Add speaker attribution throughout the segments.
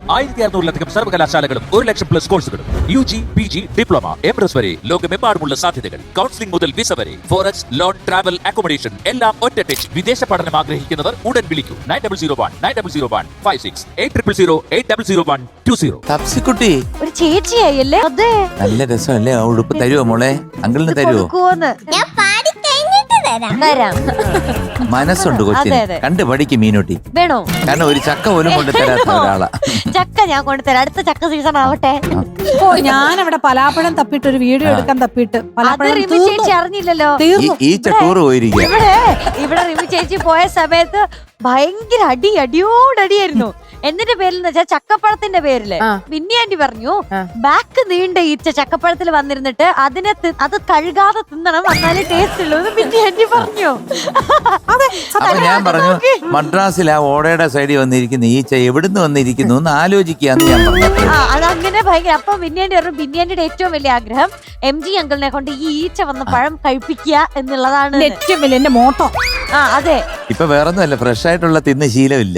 Speaker 1: 1600-ലധികം സർവകലാശാലകളും 1,00,000+ കോഴ്സുകളും UG, PG, diploma, MRS വരെ ലോകമെമ്പാടുമുള്ള സാധ്യതകൾ. കൗൺസിലിംഗ് മുതൽ വിസ വരെ, ഫോറക്സ്, ലോൺ, ട്രാവൽ, അക്കോമഡേഷൻ എല്ലാം ഒറ്റ ടച്ച്. വിദേശ പഠനം ആഗ്രഹിക്കുന്നവർ ഉടൻ വിളിക്കൂ 9001-9001-56 8000-8001-20.
Speaker 2: തപ്സിക്കുട്ടി
Speaker 3: ഒരു ചേച്ചിയായല്ലേ? അതെ,
Speaker 2: നല്ല രസമല്ലേ? ആ ഉടുപ്പ് തരുവോ മോളെ? അങ്കിളിന് തരുവോ?
Speaker 4: ഞാൻ പാടി കഴിഞ്ഞിട്ട്
Speaker 3: തരാം.
Speaker 2: മനസ്സുണ്ട് കൊച്ചിന്. കണ്ടു പഠിക്കും മീനൂട്ടി.
Speaker 3: വേണോ?
Speaker 2: കാരണം ഒരു ചക്ക പോലും കൊണ്ട് തരാത്ത ഒരാളാ.
Speaker 3: ചക്ക ഞാൻ കൊണ്ടുതരാം, അടുത്ത ചക്ക സീസൺ ആവട്ടെ.
Speaker 5: ഓ, ഞാനവിടെ പലാപ്പഴം തപ്പിട്ട് ഒരു വീഡിയോ എടുക്കാൻ തപ്പിട്ട്
Speaker 3: അത് റിമി ചേച്ചി അറിഞ്ഞില്ലല്ലോ.
Speaker 2: ഈ ടൂർ പോയിരിക്കുക.
Speaker 3: ഇവിടെ റിമി ചേച്ചി പോയ സമയത്ത് ഭയങ്കര അടിയോടടിയായിരുന്നു. എന്തിന്റെ പേരിൽ വെച്ചാൽ ചക്കപ്പഴത്തിന്റെ പേരില്. പിന്നെ ആന്റി പറഞ്ഞു ബാക്ക് നീണ്ട ഈച്ച ചക്കപ്പഴത്തിൽ വന്നിരുന്നിട്ട് അത് കഴുകാതെ തിന്നണം, എന്നാലേ ടേസ്റ്റ് ഉള്ളൂ. പിന്നെ ആന്റി പറഞ്ഞു.
Speaker 2: അപ്പൊ ഞാൻ പറഞ്ഞു മദ്രാസിൽ ആ ഓടയുടെ സൈഡിൽ വന്നിരിക്കുന്ന ഈച്ച എവിടുന്ന് വന്നിരിക്കുന്നു എന്ന് ആലോചിക്കാന്ന് ഞാൻ പറഞ്ഞു.
Speaker 3: അതങ്ങനെ ഭയങ്കര. അപ്പൊ ബിന്യാണ്ടി പറഞ്ഞു ബിന്യാണ്ടിയുടെ ഏറ്റവും വലിയ ആഗ്രഹം MG അങ്കിളിനെ കൊണ്ട് ഈ ഈച്ച വന്ന പഴം കഴിപ്പിക്കുക എന്നുള്ളതാണ്
Speaker 5: ഏറ്റവും വലിയ എന്റെ മോട്ടോ.
Speaker 3: അതെ,
Speaker 2: ഇപ്പൊ വേറൊന്നുമല്ല, ഫ്രഷ് ആയിട്ടുള്ള തിന്ന് ശീലമില്ല.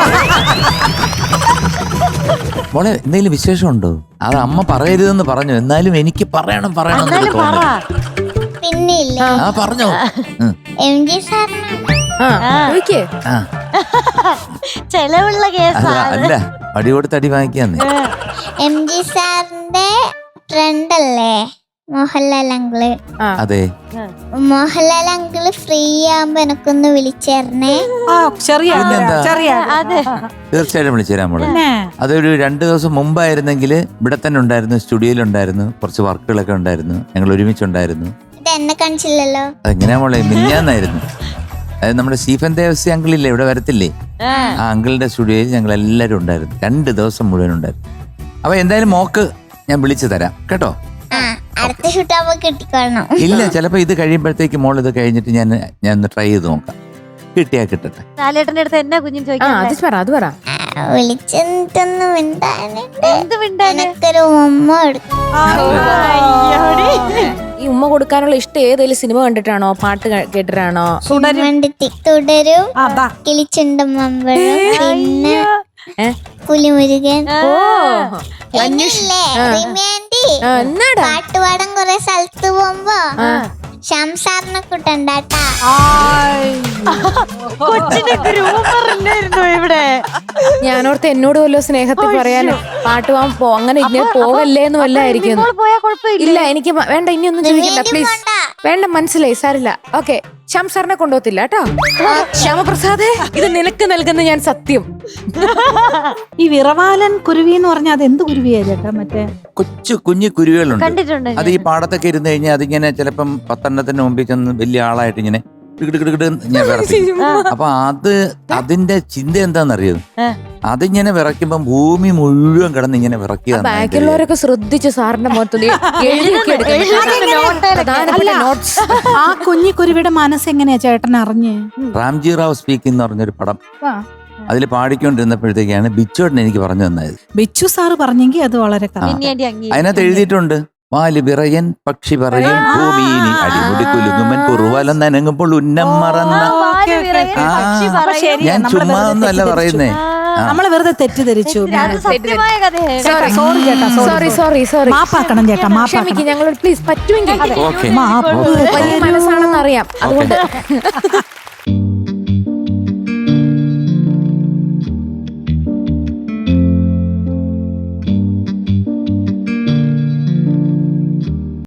Speaker 2: മോളെ എന്തെങ്കിലും വിശേഷമുണ്ടോ? അത് അമ്മ പറയരുതെന്ന് പറഞ്ഞു, എന്നാലും എനിക്ക് പറയണം
Speaker 3: എന്നാലും പറ.
Speaker 4: പിന്നെ ഇല്ല
Speaker 2: ആ പറഞ്ഞോ.
Speaker 4: MG സാറിന്
Speaker 3: ചെലവുള്ള കേസാണ്.
Speaker 2: അല്ല അടി കൊടുത്ത് അടി വാങ്ങിക്കാന്ന്.
Speaker 4: MG സാറിന്റെ ഫ്രണ്ട് അല്ലേ മോഹൻലാൽ അങ്കിള്?
Speaker 2: അതെ,
Speaker 4: മോഹൻലാൽ അങ്കിള് ഫ്രീ ആകുമ്പോ എനക്കൊന്ന് വിളിച്ചേരണേ.
Speaker 2: തീർച്ചയായിട്ടും വിളിച്ചു തരാം മോളെ. അതൊരു 2 ദിവസം മുമ്പായിരുന്നെങ്കിൽ ഇവിടെ തന്നെ ഉണ്ടായിരുന്നു, സ്റ്റുഡിയോയിലുണ്ടായിരുന്നു, കുറച്ച് വർക്കുകളൊക്കെ ഉണ്ടായിരുന്നു, ഞങ്ങൾ ഒരുമിച്ചുണ്ടായിരുന്നു.
Speaker 4: ഇത് എന്നെ കാണിച്ചില്ലല്ലോ.
Speaker 2: അതെങ്ങനെയാ മോളെ? മിന്നാന്നായിരുന്നു. അതായത് നമ്മുടെ സ്റ്റീഫൻ ദേവസി അങ്കിളില്ലേ, ഇവിടെ വരത്തില്ലേ, ആ അങ്കിളിന്റെ സ്റ്റുഡിയോയിൽ ഞങ്ങൾ എല്ലാവരും ഉണ്ടായിരുന്നു. 2 ദിവസം മുഴുവൻ ഉണ്ടായിരുന്നു. അപ്പൊ എന്തായാലും മോക്ക് ഞാൻ വിളിച്ചു തരാം കേട്ടോ.
Speaker 4: അടുത്ത ഷൂട്ടാകുമ്പോ കിട്ടിക്കോളണം.
Speaker 2: ഇല്ല, ചിലപ്പോ ഇത് കഴിയുമ്പോഴത്തേക്ക് മോൾ ഇത് കഴിഞ്ഞിട്ട് ഞാൻ ഒന്ന് ട്രൈ ചെയ്ത് നോക്കാം. കിട്ടിയാ കിട്ടട്ടെ.
Speaker 3: ലാലേട്ടന്റെ അടുത്ത് എന്നാ കുഞ്ഞും ചോദിക്കാം.
Speaker 4: വിളിച്ചെന്നിട്ടൊന്നും
Speaker 3: എന്ത് മിണ്ടാന്?
Speaker 4: എനിക്കൊരു ഉമ്മ എടുക്കും.
Speaker 6: ഈ ഉമ്മ കൊടുക്കാനുള്ള ഇഷ്ടം ഏതെങ്കിലും സിനിമ കണ്ടിട്ടാണോ, പാട്ട് കേട്ടിട്ടാണോ?
Speaker 4: തുടരും കിളിച്ചുണ്ടും മമ്പഴും, പിന്നെ പുലിമുരുകൻ. പാട്ടുപാടാൻ കുറെ സ്ഥലത്ത് പോകുമ്പോ ഷംസാറിനെ കൂട്ടണ്ടാട്ടാ.
Speaker 6: ഞാനോർത്ത് എന്നോട് വല്ലോ സ്നേഹത്തിൽ പറയാനും പാട്ട് പോകാൻ അങ്ങനെ ഇങ്ങനെ പോകല്ലേ എന്ന് വല്ലായിരിക്കും. ഇല്ല എനിക്ക് വേണ്ട, ഇനി ഒന്നും ചോദിക്കണ്ട പ്ലീസ്. വേണ്ട, മനസ്സിലായി, സാരില്ല. ഓക്കെ, ശ്യാം സാറിനെ കൊണ്ടുപോകത്തില്ല കേട്ടോ. ശ്യാമപ്രസാദേ, ഇത് നിനക്ക് നൽകുന്ന ഞാൻ സത്യം.
Speaker 5: ഈ വിറവാലൻ കുരുവി എന്ന് പറഞ്ഞാൽ അത് എന്ത് കുരുവിയാ ചേട്ടാ? മറ്റേ
Speaker 2: കൊച്ചു കുഞ്ഞു കുരുവികളുണ്ട്. അത് ഈ പാടത്തൊക്കെ ഇരുന്ന് കഴിഞ്ഞാൽ അതിങ്ങനെ ചിലപ്പം 10 മുമ്പിൽ ചെന്ന് വലിയ ആളായിട്ട് ഇങ്ങനെ ഞാൻ വിറയ്ക്കും. അപ്പൊ അതിന്റെ ചിന്ത എന്താണെന്നറിയോ? അതിങ്ങനെ വിറയ്ക്കുമ്പോ ഭൂമി മുഴുവൻ കിടന്ന് ഇങ്ങനെ വിറയ്ക്കുക.
Speaker 6: ബാക്കിയുള്ളവരൊക്കെ ശ്രദ്ധിച്ചു സാറിന്റെ മുഖത്ത്
Speaker 5: ആ കുഞ്ഞിക്കുരുവിയുടെ മനസ്സെങ്ങനെയാ ചേട്ടൻ അറിഞ്ഞേ?
Speaker 2: റാംജി റാവ് സ്പീക്കിംഗ് എന്ന് പറഞ്ഞൊരു പടം, അതിൽ പാടിക്കൊണ്ടിരുന്നപ്പോഴത്തേക്കാണ് ബിച്ചുവേട്ടൻ എനിക്ക് പറഞ്ഞു തന്നത്.
Speaker 5: ബിച്ചു സാറ് പറഞ്ഞെങ്കിൽ അത് വളരെ
Speaker 2: അതിനകത്ത് എഴുതിയിട്ടുണ്ട്, വാല് വിറയൻ പക്ഷി പറയും ഭൂമിയിനി അടിമുടി കുലുങ്ങുമൻ കുറുവലം നനങ്ങുമ്പോൾ ഉന്നം മറന്ന. ഞാൻ ചുമ്മാ ഒന്നല്ല പറയുന്നേ,
Speaker 5: നമ്മളെ വെറുതെ തെറ്റിദ്ധരിച്ചു. മാപ്പാക്കണം ചേട്ടാ,
Speaker 6: ഞങ്ങളോട് പ്ലീസ് പറ്റുമെങ്കിൽ.
Speaker 2: ഓക്കെ
Speaker 6: മനസ്സാണെന്ന് അറിയാം, അതുകൊണ്ട്